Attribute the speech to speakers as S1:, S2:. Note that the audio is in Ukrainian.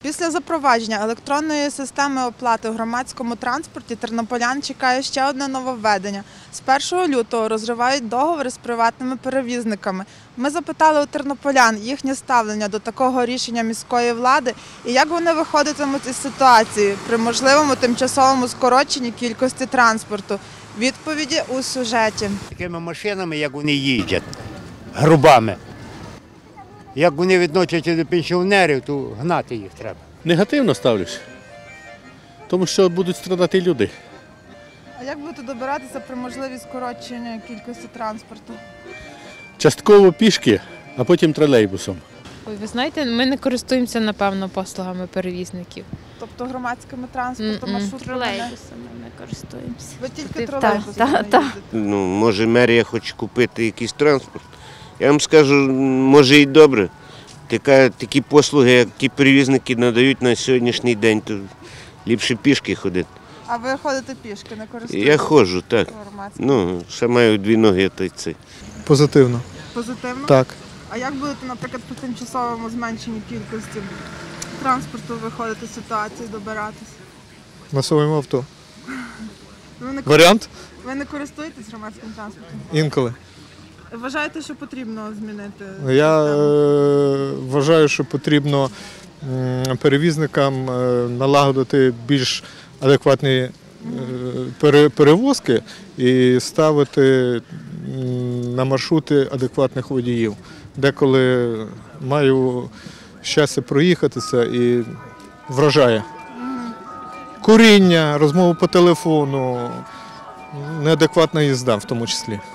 S1: Після запровадження електронної системи оплати у громадському транспорті тернополян чекає ще одне нововведення. З 1 лютого розривають договори з приватними перевізниками. Ми запитали у тернополян їхнє ставлення до такого рішення міської влади і як вони виходитимуть із ситуації при можливому тимчасовому скороченні кількості транспорту. Відповіді у сюжеті.
S2: Такими машинами, як вони їздять, грубами. Як вони відносяться до пенсіонерів, то гнати їх треба.
S3: Негативно ставлюсь, тому що будуть страдати люди.
S1: А як будете добиратися при можливі скорочення кількості транспорту?
S3: Частково пішки, а потім тролейбусом.
S4: Ой, ви знаєте, ми не користуємося, напевно, послугами перевізників.
S1: Тобто громадськими транспортом, маршрутами?
S4: Тролейбусами не користуємося.
S1: Ви тільки
S4: Так,
S1: тролейбусами
S4: так, так.
S1: їздите?
S5: Ну, може, мерія хоче купити якийсь транспорт. Я вам скажу, може і добре. Такі послуги, як ті перевізники надають на сьогоднішній день, то ліпше пішки ходити.
S1: А ви ходите пішки, не користуєтеся?
S5: Я ходжу, так.
S1: Громадським?
S5: Ну, ще маю 2 ноги, то й це.
S6: Позитивно.
S1: Позитивно?
S6: Так.
S1: А як будете, наприклад, по тимчасовому зменшенні кількості транспорту виходити з ситуації, добиратись?
S6: На своєму авто.
S1: Ви
S6: Варіант?
S1: не користуєтесь громадським транспортом?
S6: Інколи.
S1: Вважаєте, що потрібно змінити?
S6: Я
S1: систему?
S6: вважаю, що потрібно перевізникам налагодити більш адекватні перевозки і ставити на маршрути адекватних водіїв. Деколи маю щастя проїхатися і вражає. Куріння, розмови по телефону, неадекватна їзда в тому числі.